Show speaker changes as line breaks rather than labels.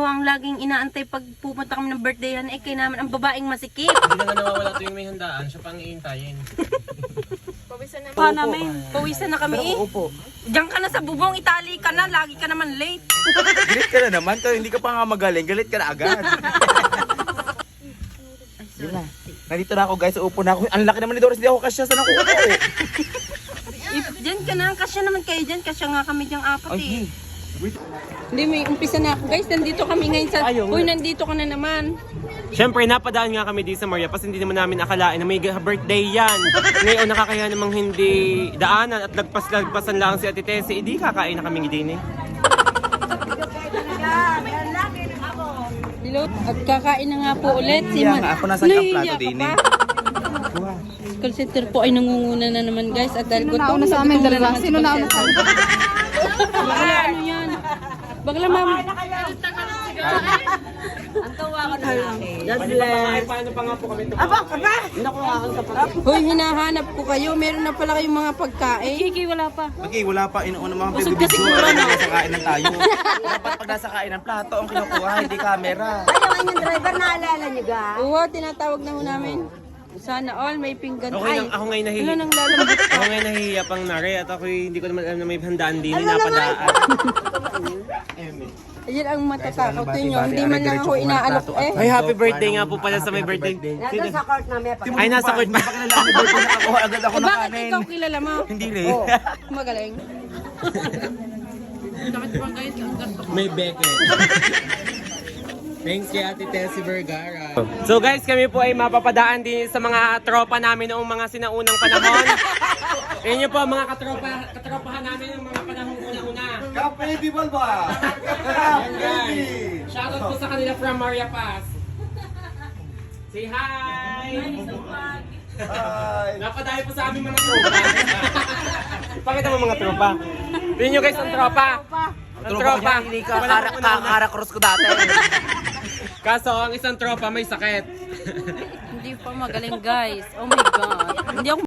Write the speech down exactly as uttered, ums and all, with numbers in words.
ho ang laging inaantay pag pupunta kami ng birthdayhan. Eh, kay naman ang babaeng masikip.
Hindi na nga nawawala tuwing may handaan, siya pang iintayin.
Pawisan na, pa namin. Pawisan na kami eh.
Opo.
Diyan ka na sa bubong, Itali ka na. Lagi ka naman late.
Galit ka na naman. Kaya hindi ka pa nga magaling. Galit ka na agad. Yun na. Nandito na ako guys. Upo na ako. Ang laki naman ni Doris. Hindi ako kasya. Saan ako upo?
If, diyan ka na. Kasya naman kayo dyan. Kasya nga kami diyang apat eh.
Ay, wait.
Hindi, may umpisa na ako guys. Nandito kami ngayon sa...
Ayaw.
Uy, nandito ka na naman.
Siyempre, napadaan nga kami di sa Maria kasi hindi naman namin akalain na may birthday yan. Ngayon, nakakaya namang hindi daanan at lagpas-lagpasan lang si Ate Tessie. Hindi kakain na kaming din eh.
Hello? At kakain na nga po ulit. Si
Iya
Man.
nga, ako nasa ang
Nahihiya
plato
ka
din
pa?
eh.
Call center po ay nangunguna na naman guys. At dahil
Sino nauna sa amin dalawa? Sino nauna sa amin?
Bakla ano yan? Bakla ma'am.
God bless. Paano pa nga po kami ito?
Hoy, hinahanap ko kayo. Meron na pala kayong mga pagkain. Kiki, wala pa.
Okay, wala pa. Inuuna mga
Busog
bibig
kasi
ko.
siguro, no?
Nasa kainan tayo. Dapat pag nasa kainan, plato ang kinukuha, hindi camera.
Ayaw yung driver, naalala niyo ga?
Oo, tinatawag na ho namin. Sana all may pinggan.
Okay, nang, ako ngayon
Ano
nahihiya.
nang lalambot ka?
Ako ngayon nahihiya pang nari at ako hindi ko naman alam na may handaan din napadaan.
Ayan ang matatakot ninyo. Hindi man lang ako inaalok eh.
Ay, happy birthday nga po pala sa may birthday.
Nandun sa court na may
Ay, nasa court ba?
Pakilala ni birthday nakakuha agad ako
Eh,
ng
bakit
kanin.
ikaw kilala mo?
Hindi rin.
Magaling.
May beke. Thanks kay Ate Tessie Vergara. So guys, kami po ay mapapadaan din sa mga tropa namin noong mga sinaunang panahon. Yan nyo po mga katropa, katropahan namin noong mga panahon una-una.
Ka-baby Balba!
Yan guys. Shoutout po sa kanila from Maria Paz. Say hi!
Hi!
Napadayo po sa aming mga tropa. Pakita mo mga tropa. Tingnan nyo guys ang tropa. Ang tropa.
Hindi ka
Walang una-una.
kara-cross ko dati.
Kaso ang isang tropa may sakit.
Hindi pa magaling guys. Oh my God. Hindi ako